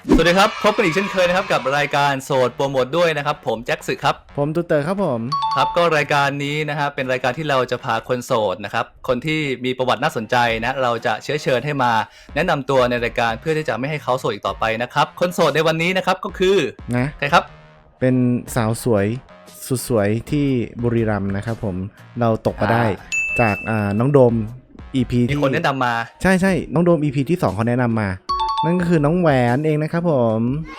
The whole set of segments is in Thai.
สวัสดีครับพบกันอีกเช่นเคยนะครับกับรายการโสดโปรโมทด้วยนะครับผมแจ็คสึกครับผมตูเตอร์ครับผมครับก็รายการนี้นะครับเป็นรายการที่เราจะพาคนโสดนะครับคนที่มีประวัติน่าสนใจนะเราจะเชิญให้มาแนะนำตัวในรายการเพื่อที่จะไม่ให้เขาโสดอีกต่อไปนะครับคนโสดในวันนี้นะครับก็คือนะใครครับเป็นสาวสวยสุดสวยที่บุรีรัมย์นะครับผมเราตกมาได้จากน้องโดม EP ที่มีคนแนะนำมาใช่น้องโดม EP ที่2เขาแนะนำมานั่นก็คือน้องแหวนเองนะครับผม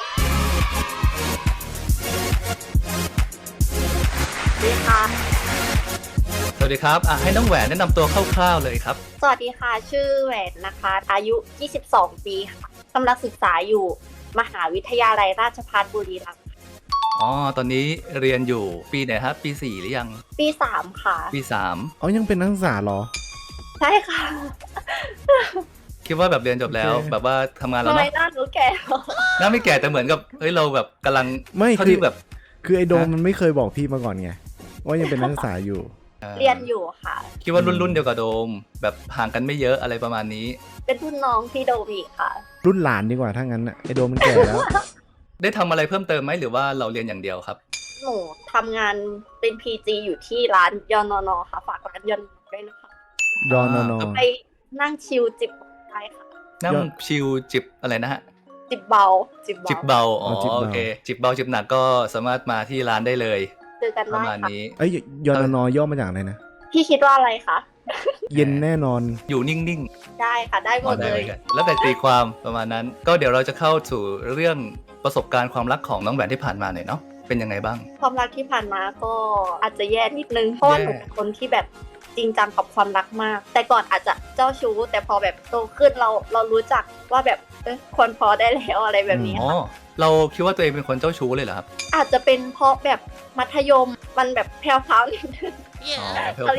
สวัสดีค่ะสวัสดีครับให้น้องแหวนแนะนำตัวคร่าวๆเลยครับสวัสดีค่ะชื่อแหวนนะคะอายุ22ปีค่ะกำลังศึกษาอยู่มหาวิทยาลัยราชภัฏบุรีรัมย์ตอนนี้เรียนอยู่ปีไหนครับปี4หรือยังปี3ค่ะปี3 ยังเป็นนักศึกษาเหรอใช่ค่ะคิดว่าแบบเรียนจบแล้วแบบว่าทำงานแล้วทำเนาะไมหน้าหนูแก่หน้าไม่แก่แต่เหมือนกับเราแบบกำลังไม่ที่แบบคือไอโดมมันไม่เคยบอกพี่มาก่อนไงว่ายังเป็นนักศึกษาอยู่เรียนอยู่ค่ะคิดว่ารุ่นเดียวกับโดมแบบห่างกันไม่เยอะอะไรประมาณนี้เป็นรุ่นน้องพี่โดมีค่ะรุ่นหลานดีกว่าถ้างั้นไอโดมมันแก่แล้วได้ทำอะไรเพิ่มเติมไหมหรือว่าเราเรียนอย่างเดียวครับหนูทำงานเป็น PG อยู่ที่ร้านยนนค่ะฝากร้านยนด้วยนะคะยนนไปนั่งชิลจิบได้ค่ะนั่งชิลจิบอะไรนะฮะจิบเบาโอเคจิบเบาจิบหนักก็สามารถมาที่ร้านได้เลยเจอกันได้ประมาณนี้ยนนย่อมาจากอะไรนะพี่คิดว่าอะไรคะเย็นแน่นอนอยู่นิ่งๆได้ค่ะได้หมดเลยแล้วแต่ตีความประมาณนั้นก็เดี๋ยวเราจะเข้าสู่เรื่องประสบการณ์ความรักของน้องแหวนที่ผ่านมาหน่อยเนาะเป็นยังไงบ้างความรักที่ผ่านมาก็อาจจะแย่นิดนึงเพราะว่าหนูเป็นคนที่แบบจริงจังกับความรักมากแต่ก่อนอาจจะเจ้าชู้แต่พอแบบโตขึ้นเรารู้จักว่าแบบควรพอได้แล้วอะไรแบบนี้ค่ะเราคิดว่าตัวเองเป็นคนเจ้าชู้เลยเหรอครับอาจจะเป็นเพราะแบบมัธยมมันแบบแพรวๆนิดนึงแพรว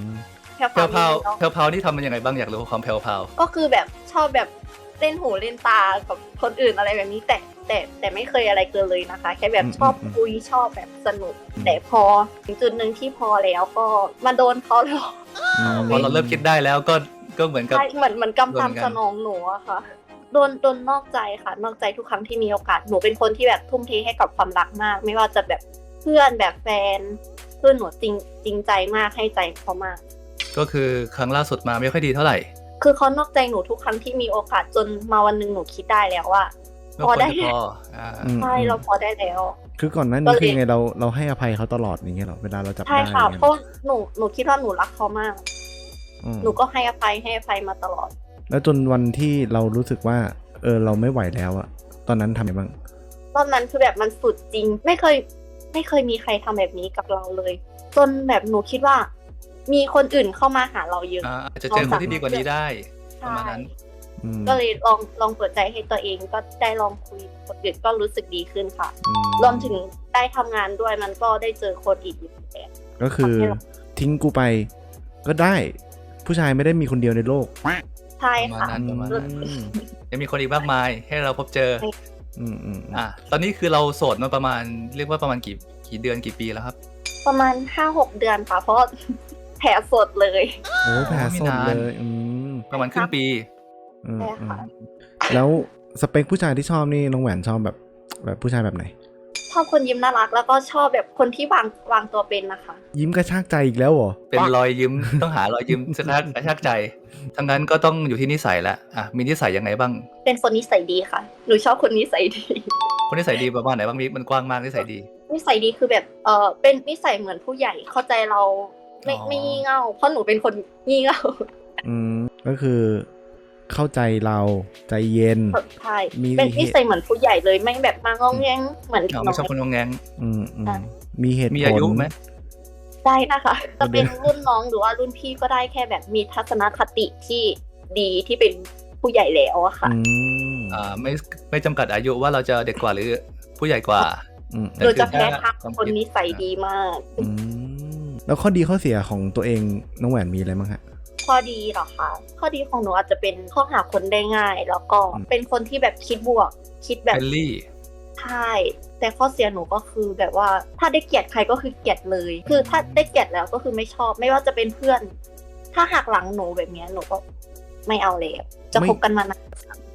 ๆนี่ทำมันยังไงบ้างอยากรู้ความแพรวๆก็คือแบบชอบแบบเล่นหูเล่นตากับคนอื่นอะไรแบบนี้แต่ไม่เคยอะไรเกินเลยนะคะแค่แบบชอบคุยชอบแบบสนุกแต่พอถึงจุดนึงที่พอแล้วก็มาโดนเขาหลอกพอเราเริ่มคิดได้แล้วก็เหมือนกับเหมือนกำตามสนองหนูอะค่ะโดนนอกใจค่ะนอกใจทุกครั้งที่มีโอกาสหนูเป็นคนที่แบบทุ่มเทให้กับความรักมากไม่ว่าจะแบบเพื่อนแบบแฟนเพื่อนหนูจริงใจมากให้ใจเขามากก็คือครั้งล่าสุดมาไม่ค่อยดีเท่าไหร่คือเขานอกใจหนูทุกครั้งที่มีโอกาสจนมาวันนึงหนูคิดได้แล้วว่าพอได้ใช่เราพอได้แล้วคือก่อนหน้านี้คือไงเราให้อภัยเขาตลอดอย่างเงี้ยหรอเวลาเราจับได้ใช่ค่ะเพราะหนูคิดว่าหนูรักเขามากหนูก็ให้อภัยมาตลอดแล้วจนวันที่เรารู้สึกว่าเราไม่ไหวแล้วอะตอนนั้นทำยังไงบ้างตอนนั้นคือแบบมันสุดจริงไม่เคยมีใครทำแบบนี้กับเราเลยจนแบบหนูคิดว่ามีคนอื่นเข้ามาหาเราเยอะอาจจะเจอคนที่ดีกว่านี้ได้ประมาณนั้นก็เลยลองเปิดใจให้ตัวเองก็ได้ลองคุยกับคนอื่นก็รู้สึกดีขึ้นค่ะรวมถึงได้ทำงานด้วยมันก็ได้เจอคนอีกอยู่แล้วก็คือทิ้งกูไปก็ได้ผู้ชายไม่ได้มีคนเดียวในโลกใช่ค่ะยังมีคนอีกมากมายให้เราพบเจอตอนนี้คือเราโสดมาประมาณเรียกว่าประมาณกี่เดือนกี่ปีแล้วครับประมาณ 5-6 เดือนค่ะเพราะแผลสดเลยโอ้แผลสดเลยประมาณครึ่งปีใช่ค่ะแล้วสเปคผู้ชายที่ชอบนี่น้องแหวนชอบแบบผู้ชายแบบไหนชอบคนยิ้มน่ารักแล้วก็ชอบแบบคนที่วางตัวเป็นนะคะยิ้มกระชากใจอีกแล้วเหรอเป็นรอยยิ้มต้องหารอยยิ้มกระชากใจทั้งนั้นก็ต้องอยู่ที่นิสัยแล้วมีนิสัยยังไงบ้างเป็นคนนิสัยดีค่ะหนูชอบคนนิสัยดีคนนิสัยดีประมาณไหนบ้างมันกว้างมากนิสัยดีนิสัยดีคือแบบเป็นนิสัยเหมือนผู้ใหญ่เข้าใจเราไม่งี่เง่าเพราะหนูเป็นคนงี่เง่าก็คือเข้าใจเราใจเย็นใช่เป็นนิสัยเหมือนผู้ใหญ่เลยไม่แบบมางงแงงเหมือนไม่ชอบคนงงแงงมีเหตุผลมีอายุไหมได้นะคะจะเป็นรุ่นน้องหรือว่ารุ่นพี่ก็ได้แค่แบบมีทัศนคติที่ดีที่เป็นผู้ใหญ่แล้วอะค่ะไม่จำกัดอายุว่าเราจะเด็กกว่าหรือผู้ใหญ่กว่าเราจะแพ้ทางคนนิสัยดีมากแล้วข้อดีข้อเสียของตัวเองน้องแหวนมีอะไรบ้างฮะข้อดีเหรอคะข้อดีของหนูอาจจะเป็นข้อหาคนได้ง่ายแล้วก็เป็นคนที่แบบคิดบวกคิดแบบใช่แต่ข้อเสียหนูก็คือแบบว่าถ้าได้เกลียดใครก็คือเกลียดเลยคือถ้าได้เกลียดแล้วก็คือไม่ชอบไม่ว่าจะเป็นเพื่อนถ้าหักหลังหนูแบบนี้หนูก็ไม่เอาเลยจะคบกันมานาน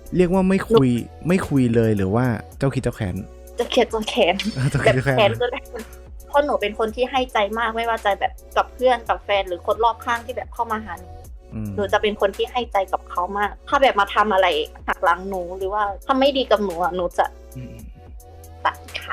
เรียกว่าไม่คุยเลยหรือว่าเจ้าคิดเจ้าแขนจะเขียนจะแขนเจ้าแบคิดบเจ้าแขแขนนก็ได้เพราะหนูเป็นคนที่ให้ใจมากไม่ว่าจะแบบกับเพื่อนกับแฟนหรือคนรอบข้างที่แบบเข้ามาหาหนู หนูจะเป็นคนที่ให้ใจกับเขามาก ถ้าแบบมาทำอะไรหักหลังหนูหรือว่าทำไม่ดีกับหนูอ่ะหนูจะตัดค่ะ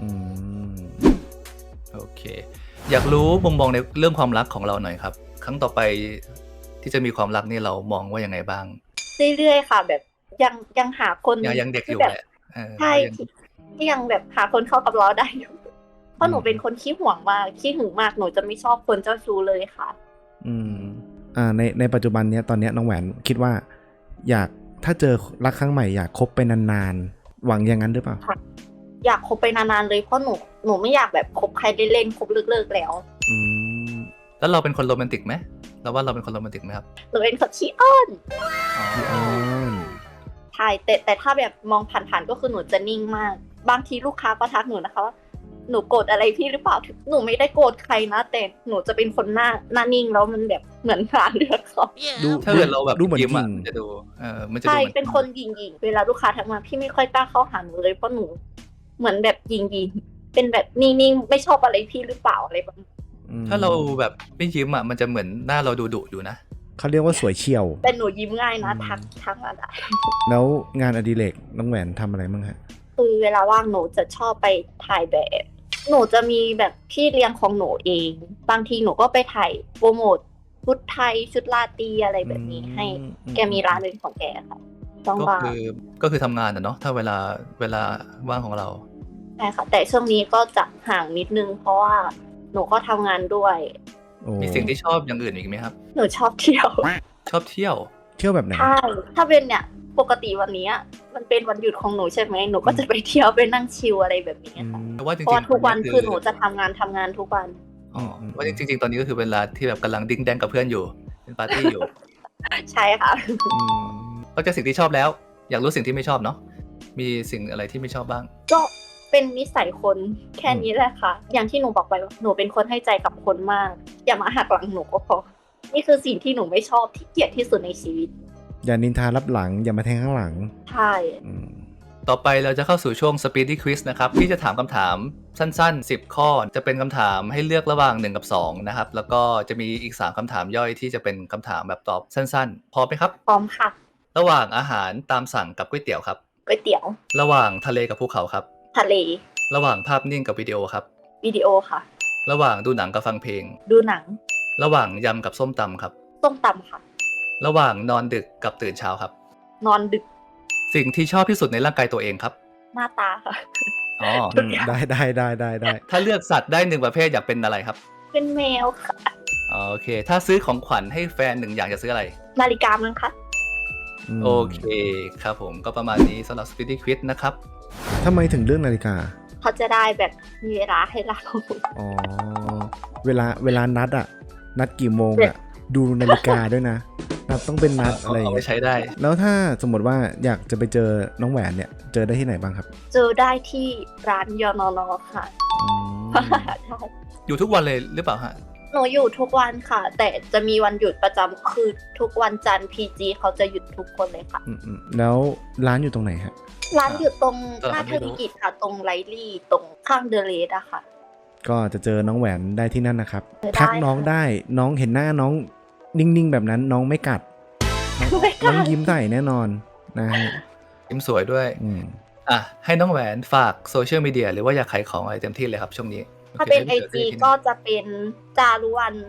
โอเค อยากรู้มุมมองในเรื่องความรักของเราหน่อยครับ ครั้งต่อไปที่จะมีความรักนี่เรามองว่ายังไงบ้างเรื่อยๆค่ะ แบบยังหาคนยังเด็กอยู่ที่แบบแหละใช่ที่ยังแบบหาคนเข้ากับเราได้อยู่เพราะหนูเป็นคนขี้ห่วงมากขี้หึงมากหนูจะไม่ชอบคนเจ้าชู้เลยค่ะในปัจจุบันเนี้ยตอนเนี้ยน้องแหวนคิดว่าถ้าเจอรักครั้งใหม่อยากคบไปนานๆหวังอย่างนั้นหรือเปล่าอยากคบไปนานๆเลยเพราะหนูไม่อยากแบบคบใครเล่นๆคบเลิกๆแล้วแล้วเราเป็นคนโรแมนติกไหมเราว่าเราเป็นคนโรแมนติกไหมครับหนูเป็นคนขี้อ้อนอ๋อใช่แต่ถ้าแบบมองผ่านๆก็คือหนูจะนิ่งมากบางทีลูกค้าก็ทักหนูนะคะว่าหนูโกรธอะไรพี่หรือเปล่าหนูไม่ได้โกรธใครนะแต่หนูจะเป็นคนหน้านิ่งแล้วมันแบบเหมือนหาเรื่องเขาถ้าเกิดเราแบบดูเหมือนยิ้มยิอ่ะงมันจะดูมันจะดูใช่หมือเป็นคนหยิงๆเวลาลูกค้าทักมาพี่ไม่ค่อยกล้าเข้าหาหนูเลยเพราะหนูเหมือนแบบหยิงๆเป็นแบบนิ่งๆไม่ชอบอะไรพี่หรือเปล่าอะไรแบบนี้ถ้าเราแบบไม่ยิ้มอ่ะมันจะเหมือนหน้าเราดุอยู่นะเขาเรียกว่าสวยเฉียวแต่หนูยิ้มง่ายนะทักมาได้แล้วงานอดิเรกน้องแหวนทำอะไรบ้างฮะคือเวลาว่างหนูจะชอบไปถ่ายแบบ หนูจะมีแบบพี่เลี้ยงของหนูเอง บางทีหนูก็ไปถ่ายโปรโมทชุดไทยชุดลาตรีอะไรแบบนี้ให้แกมีร้านเป็นของแกค่ะต้องก็ว่างคือทำงานอ่ะเนาะถ้าเวลาว่างของเราใช่ค่ะแต่ช่วงนี้ก็จะห่างนิดนึงเพราะว่าหนูก็ทำงานด้วยมีสิ่งที่ชอบอย่างอื่นอีกไหมครับหนูชอบเที่ยวชอบเที่ยวเที่ยวแบบไหนใช่ถ้าเป็นเนี่ยปกติวันนี้มันเป็นวันหยุดของหนูใช่ไหมหนูก็จะไปเที่ยวไปนั่งชิลอะไรแบบนี้ค่ะแต่ว่าจเพราะริว่างๆทุกวันคือหนูจะทำงานทุกวันว่าจริงๆตอนนี้ก็คือเวลาที่แบบกำลังดิ้งแดงกับเพื่อนอยู่เป็นปาร์ตี้อยู่ใช่ค่ะนอกจากสิ่งที่ชอบแล้ว อยากรู้สิ่งที่ไม่ชอบเนาะมีสิ่งอะไรที่ไม่ชอบบ้างก็เป็นนิสัยคนแค่นี้แหละค่ะ อย่างที่หนูบอกไปว่าหนูเป็นคนให้ใจกับคนมาก อย่ามาหักหลังหนูก็พอ นี่คือสิ่งที่หนูไม่ชอบที่เกลียดที่สุดในชีวิตอย่านินทารับหลังอย่ามาแทงข้างหลังใช่ต่อไปเราจะเข้าสู่ช่วง Speedy Quiz นะครับที่จะถามคำถามสั้นๆ10 ข้อจะเป็นคำถามให้เลือกระหว่าง1กับ2นะครับแล้วก็จะมีอีก3คำถามย่อยที่จะเป็นคำถามแบบตอบสั้นๆพร้อมไหมครับพร้อมค่ะระหว่างอาหารตามสั่งกับก๋วยเตี๋ยวครับก๋วยเตี๋ยวระหว่างทะเลกับภูเขาครับทะเลระหว่างภาพนิ่งกับวิดีโอครับวิดีโอค่ะระหว่างดูหนังกับฟังเพลงดูหนังระหว่างยำกับส้มตำครับส้มตำค่ะระหว่างนอนดึกกับตื่นเช้าครับนอนดึกสิ่งที่ชอบที่สุดในร่างกายตัวเองครับหน้าตาค่ะอ๋อได้ถ้าเลือกสัตว์ได้1ประเภทอยากเป็นอะไรครับเป็นแมวค่ะโอเค ถ้าซื้อของขวัญให้แฟน1อย่างจะซื้ออะไรนาฬิกามั้งคะโอเคครับผมก็ประมาณนี้สำหรับ Speedy Quiz นะครับทำไมถึงเรื่องนาฬิกาเขาจะได้แบบมีเวลาให้เราอ๋อ เวลานัดกี่โมงอะดูนาฬิกาด้วยนะนัดต้องเป็นนัดอะไรอย่างเอาไปเงี้ยใช้ได้แล้วถ้าสมมติว่าอยากจะไปเจอน้องแหวนเนี่ยเจอได้ที่ไหนบ้างครับเจอได้ที่ร้านยอนอนอค่ะ ใช่อยู่ทุกวันเลยหรือเปล่าฮะหนูอยู่ทุกวันค่ะ แต่จะมีวันหยุดประจำคือทุกวันจันทร์ PG เขาจะหยุดทุกคนเลยค่ะแล้วร้านอยู่ตรงไหนฮะร้านอยู่ตรงตลาดหน้าไม่เทอรู้ร์มิกิตค่ะ ตรงไลลี่ตรงข้างเดอะเลสอะค่ะก็จะเจอน้องแหวนได้ที่นั่นนะครับได้ทักน้องได้น้องเห็นหน้าน้องนิ่งๆแบบนั้นน้องไม่กัดไม่กน้ล้าองยิ้มใส่แน่นอนนะฮะยิ้มสวยด้วย ให้น้องแหวนฝากโซเชียลมีเดียหรือว่าอยากขายของอะไรเต็มที่เลยครับช่วงนี้ถ้าเป็นโอ IG คก็จะเป็นจารุวัน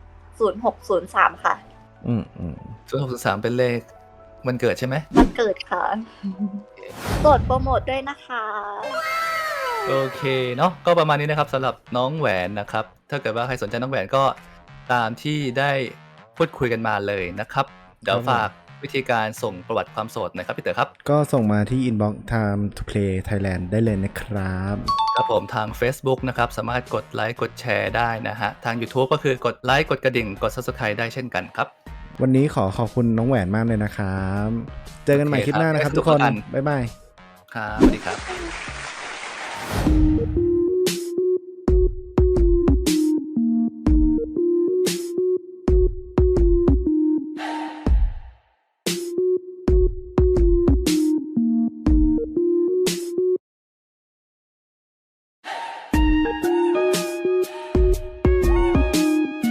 0603 ค่ะ 0603เป็นเลขวันเกิดใช่ไหมวันเกิดค่ะกดโปรโมทด้วยนะคะโอเคเนาะก็ประมาณนี้นะครับสำหรับน้องแหวนนะครับถ้าเกิดว่าใครสนใจน้องแหวนก็ตามที่ได้พูดคุยกันมาเลยนะครับเดี๋ยวฝากวิธีการส่งประวัติความโสดหน่อยครับพี่เต๋อครับก็ส่งมาที่ inbox time to play Thailand ได้เลยนะครับครับผมทาง Facebook นะครับสามารถกดไลค์กดแชร์ได้นะฮะทาง YouTube ก็คือกดไลค์กดกระดิ่งกด Subscribe ได้เช่นกันครับวันนี้ขอบคุณน้องแหวนมากเลยนะครับ เจอกันใหม่คลิปหน้านะครับทุกคน บ๊ายบายครับสวัสดีครับ